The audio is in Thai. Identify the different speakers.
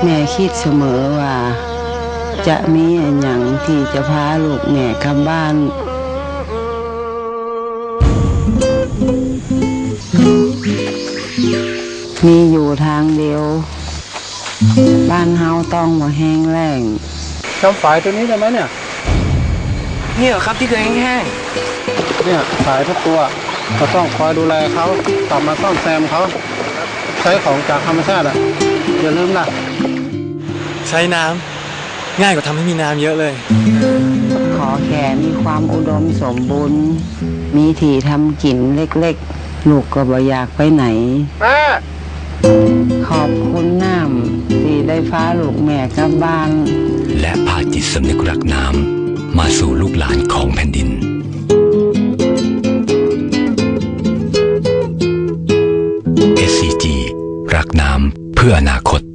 Speaker 1: ม่คิดเสมอว่าจะมีอย่างที่จะพาลูกแม่กลับบ้านมีอยู่ทางเดียวบ้านเฮาต้องมาแห้งแล้ง
Speaker 2: จำฝายตัวนี้ได้ไหมเนี่ย
Speaker 3: นี่เหรอครับที่เคยแห้ง
Speaker 2: เนี่ยฝายทุกตัวเราต้องคอยดูแลเขากลับมาซ่อมแซมเขาใช้ของจากธรรมชาติอ่ะอย่าลืมนะ
Speaker 3: ใช้น้ำง่ายกว่าทำให้มีน้ำเยอะเลย
Speaker 1: ขอแค่มีความอุดมสมบูรณ์มีที่ทำกินเล็กๆลูกก็บ่อยากไปไหน
Speaker 2: แม่
Speaker 1: ขอบคุณน้ำที่ได้ฟ้าลูกแม่กลับบ้าน
Speaker 4: และพาจิตสำนึกรักน้ำมาสู่ลูกหลานของแผ่นดิน SCG รักน้ำเพื่ออนาคต